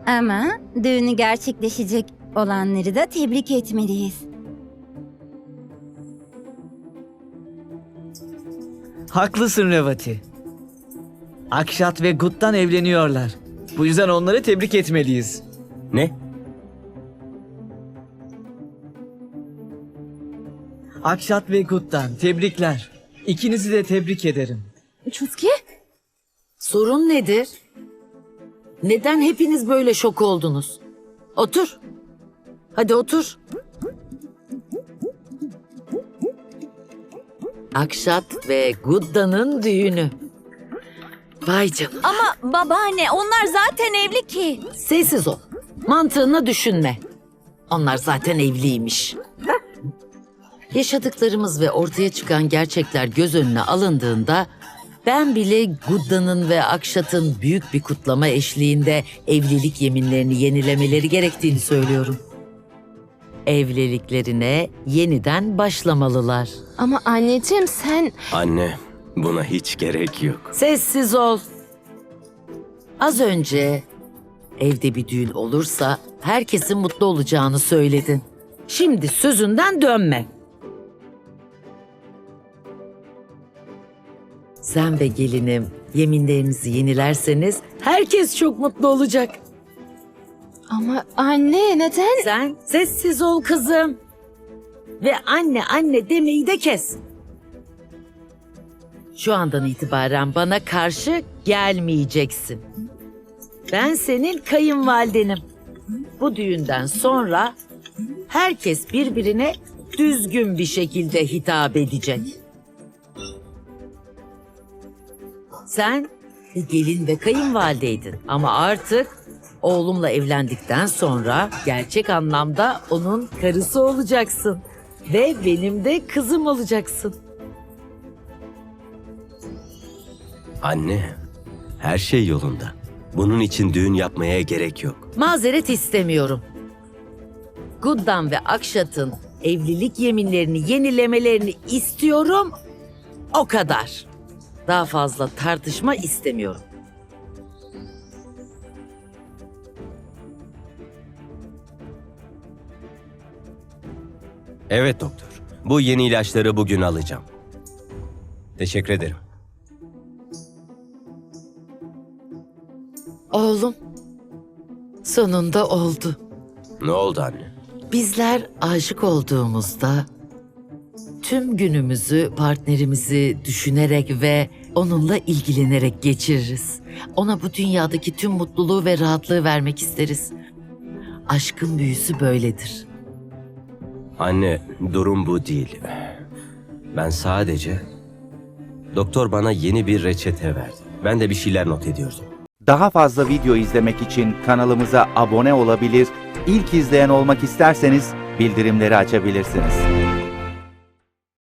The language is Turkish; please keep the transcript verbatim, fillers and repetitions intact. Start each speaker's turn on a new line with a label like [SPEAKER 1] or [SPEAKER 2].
[SPEAKER 1] Ama düğünü gerçekleşecek olanları da tebrik etmeliyiz.
[SPEAKER 2] Haklısın Revati. Akşat ve Gut'tan evleniyorlar. Bu yüzden onları tebrik etmeliyiz.
[SPEAKER 3] Ne?
[SPEAKER 2] Akşat ve Gut'tan tebrikler. İkinizi de tebrik ederim.
[SPEAKER 4] Çutki?
[SPEAKER 5] Sorun nedir? Neden hepiniz böyle şok oldunuz? Otur. Hadi otur. Akşat ve Gudda'nın düğünü. Vay canına.
[SPEAKER 4] Ama babaanne onlar zaten evli ki.
[SPEAKER 5] Sessiz ol. Mantığını düşünme. Onlar zaten evliymiş. Yaşadıklarımız ve ortaya çıkan gerçekler göz önüne alındığında ben bile Gudda'nın ve Akşat'ın büyük bir kutlama eşliğinde evlilik yeminlerini yenilemeleri gerektiğini söylüyorum. Evliliklerine yeniden başlamalılar.
[SPEAKER 4] Ama anneciğim sen...
[SPEAKER 3] Anne, buna hiç gerek yok.
[SPEAKER 5] Sessiz ol. Az önce evde bir düğün olursa herkesin mutlu olacağını söyledin. Şimdi sözünden dönme. Sen ve gelinim yeminlerinizi yenilerseniz herkes çok mutlu olacak.
[SPEAKER 4] Ama anne neden?
[SPEAKER 5] Sen sessiz ol kızım. Ve anne anne demeyi de kes. Şu andan itibaren bana karşı gelmeyeceksin. Ben senin kayınvalidenim. Bu düğünden sonra herkes birbirine düzgün bir şekilde hitap edecek. Sen bir gelin ve kayınvalideydin ama artık oğlumla evlendikten sonra gerçek anlamda onun karısı olacaksın. Ve benim de kızım olacaksın.
[SPEAKER 3] Anne, her şey yolunda. Bunun için düğün yapmaya gerek yok.
[SPEAKER 5] Mazeret istemiyorum. Guddan ve Akşat'ın evlilik yeminlerini yenilemelerini istiyorum. O kadar. Daha fazla tartışma istemiyorum.
[SPEAKER 3] Evet doktor. Bu yeni ilaçları bugün alacağım. Teşekkür ederim.
[SPEAKER 5] Oğlum, sonunda oldu.
[SPEAKER 3] Ne oldu anne?
[SPEAKER 5] Bizler aşık olduğumuzda tüm günümüzü partnerimizi düşünerek ve onunla ilgilenerek geçiririz. Ona bu dünyadaki tüm mutluluğu ve rahatlığı vermek isteriz. Aşkın büyüsü böyledir.
[SPEAKER 3] Anne, durum bu değil. Ben sadece... Doktor bana yeni bir reçete verdi. Ben de bir şeyler not ediyordum.
[SPEAKER 6] Daha fazla video izlemek için kanalımıza abone olabilir, ilk izleyen olmak isterseniz bildirimleri açabilirsiniz.